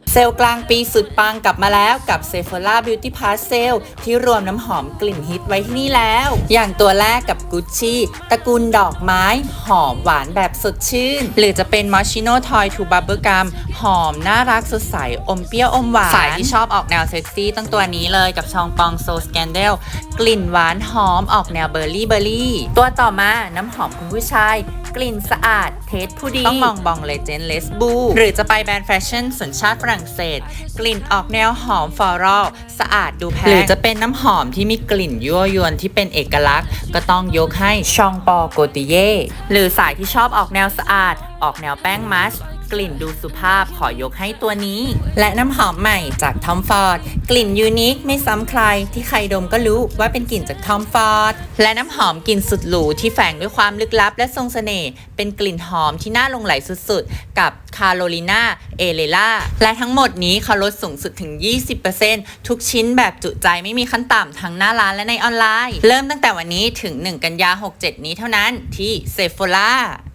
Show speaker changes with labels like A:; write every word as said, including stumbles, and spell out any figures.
A: เซลล์กลางปีสุดปังกลับมาแล้วกับ Sephora Beauty Pass Sale ที่รวมน้ำหอมกลิ่นฮิตไว้ที่นี่แล้ว อย่างตัวแรกกับ Gucci ตระกูลดอกไม้หอมหวานแบบสดชื่น หรือจะเป็น Moschino Toy to Bubblegum หอมน่ารักสดใสอมเปรี้ยวอมหวานสายที่ชอบออกแนวเซ็กซี่ต้องตัวนี้เลยกับชองปอง So Scandal กลิ่นหวานหอมออกแนวเบอร์รี่เบอร์รี่ตัวต่อมาน้ำหอมคุณผู้ชายกลิ่นสะอาดเทสผู้ดีต้องมองบองเลเจนด์เลสบูหรือจะไปแบรนด์แฟชั่นสัญชาติฝรั่งเศสกลิ่นออกแนวหอมฟลอรัลสะอาดดูแพงหรือจะเป็นน้ำหอมที่มีกลิ่นยั่วยวนที่เป็นเอกลักษณ์ก็ต้องยกให้ชองปอโกติเย่หรือสายที่ชอบออกแนวสะอาดออกแนวแป้งมัชกลิ่นดูสุภาพขอยกให้ตัวนี้และน้ำหอมใหม่จากทอมฟอร์ดกลิ่นยูนิคไม่ซ้ำใครที่ใครดมก็รู้ว่าเป็นกลิ่นจากทอมฟอร์ดและน้ำหอมกลิ่นสุดหรูที่แฝงด้วยความลึกลับและทรงเสน่ห์เป็นกลิ่นหอมที่น่าหลงไหลสุดๆกับคาโรลิน่าเอเลล่าและทั้งหมดนี้เขาลดสูงสุดถึง ยี่สิบเปอร์เซ็นต์ ทุกชิ้นแบบจุใจไม่มีขั้นต่ำทั้งหน้าร้านและในออนไลน์เริ่มตั้งแต่วันนี้ถึงหนึ่งกันยาหกเจ็ดนี้เท่านั้นที่ Sephora